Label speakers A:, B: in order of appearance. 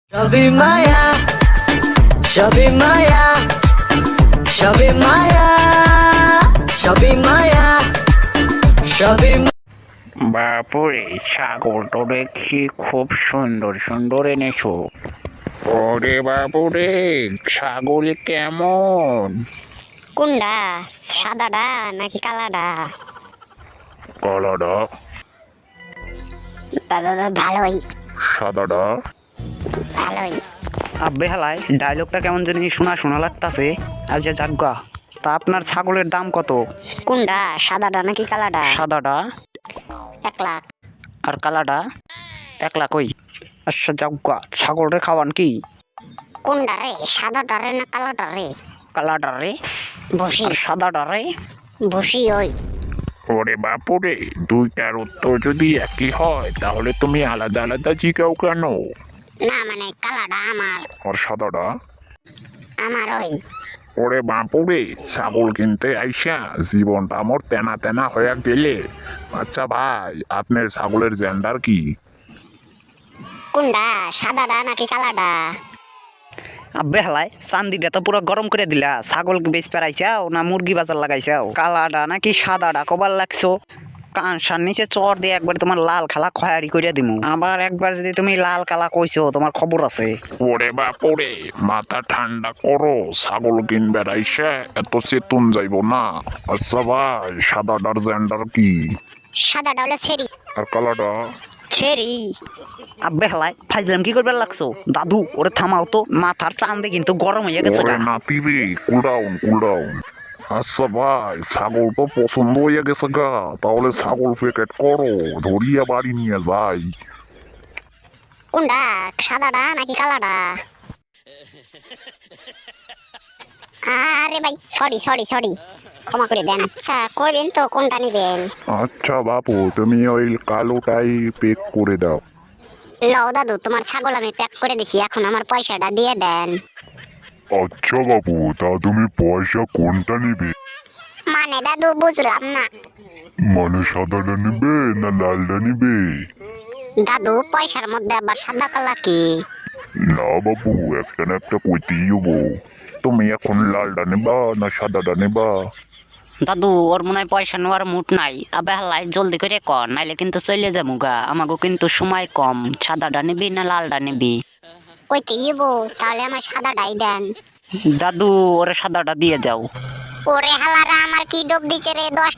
A: সবই মায়া, সবই মায়া, সবই মায়া, সবই মায়া, সবই
B: বাপুরে, ছাগল তো দেখছি খুব সুন্দর সুন্দর এনেছো। ওরে বাপুরে, ছাগল কেমন?
C: কোনডা, সাদাডা নাকি কালাডা?
B: কালাডা।
C: দাদা ভালোই
B: সাদাডা।
C: ভালোই।
D: আব্বে হালাই ডায়লগটা কেমন জানি শোনা শোনা লাগতাছে। আর যে জাগ্গা, তা আপনার ছাগলের দাম কত?
C: কোনডা, সাদাডা নাকি কালাডা?
D: সাদাটা
C: 1 লাখ।
D: আর কালাটা 1 লাখ। ওই আচ্ছা জাগ্গা, ছাগলের খাওয়ান কি?
C: কোনডা রে, সাদাডা রে না কালাডা রে?
D: কালাটা রে
C: বসি
D: আর সাদাটা রে।
C: বসি ওই।
B: ওরে বাপুরে, দুইটার উত্তর যদি একই হয় তাহলে তুমি আলাদা আলাদা জিগাও কেন?
C: না মানে কালাডা আমার,
B: আর সাদাডা?
C: আমার ওই।
B: ওরে বাপুরে, ছাগল কিনতে আইসা জীবনটা আমার তেনা তেনা হয়ে গেলে। আচ্ছা ভাই, আপনার ছাগলের জেন্ডার কি?
C: কোনডা, সাদাডা নাকি কালাডা?
D: আব্বে হালাই চান্দিটা তো পুরো গরম করে দিলা। ছাগল বেচ পেরাইছাও না মুরগি বাজার লাগাইছাও? কালাডা নাকি সাদাডা কবার লাগছো? কানসার নিচে চর দিয়ে একবার তোমার লাল খালা খয়ারি করিয়া দিমু। আবার একবার যদি তুমি লাল কালা কইছো, তোমার খবর আছে।
B: ওরে বাপুরে, মাথা ঠান্ডা করো, ছাগল কিনবে আইসা এত চেতন যাইব না। আচ্ছা ভাই, সাদাটার জেন্ডার কি?
C: সাদাডা হলো ছেড়ি।
B: আর কালাটা?
C: ছেড়ি।
D: আব্বে হালাই ফাইজলাম কি করবে লাগছো? দাদু ওরে থামাও তো, মাথার চান্দে কিন্তু গরম হয়ে গেছে
B: ওরে
D: গা।
B: নাতি রে, কুল ডাউন কুল ডাউন। আচ্ছা ভাই, ছাগল তো পছন্দ হয়ে গেছে গা, তাহলে ছাগল প্যাকেট করো, ধরিয়া বাড়ি নিয়ে যাই।
C: কোনডা, সাদাডা নাকি কালাডা? আরে ভাই সরি সরি সরি, ক্ষমা করে দেন। আচ্ছা কইবেন তো কোনটা নিবেন?
B: আচ্ছা বাপু, তুমি ওই কালোটাই পেক করে দাও।
C: লও দাদু, তোমার ছাগল আমি প্যাক করে দিছি, এখন আমার পয়সাটা দিয়ে দেন।
B: আচ্ছা বাবু, তা তুমি পয়সা কোনটা নিবে?
C: মানে দাদু বুঝলাম না।
B: মানে সাদাটা নিবে না লালটা নিবে?
C: দাদু পয়সার মধ্যে আবার সাদা কালা কি?
B: না বাবু, একটা না একটা কইতেই হবো। তুমি এখন লালটা নেবা না সাদাটা নেবা?
D: দাদু ওর মনে হয় পয়সা নেওয়ার মুড নাই। আবে হালাই জলদি করে কর, নাইলে কিন্তু চলে যাবো গা। আমাকে কিন্তু সময় কম। সাদাটা নিবি না লালটা নিবি?
C: কইতে ইবো, তাহলে আমার সাদাটাই দেন।
D: দাদু ওরে সাদাটা দিয়ে যাও।
C: ওরে হালারা, আমার কি ডোব দিছে রে, 10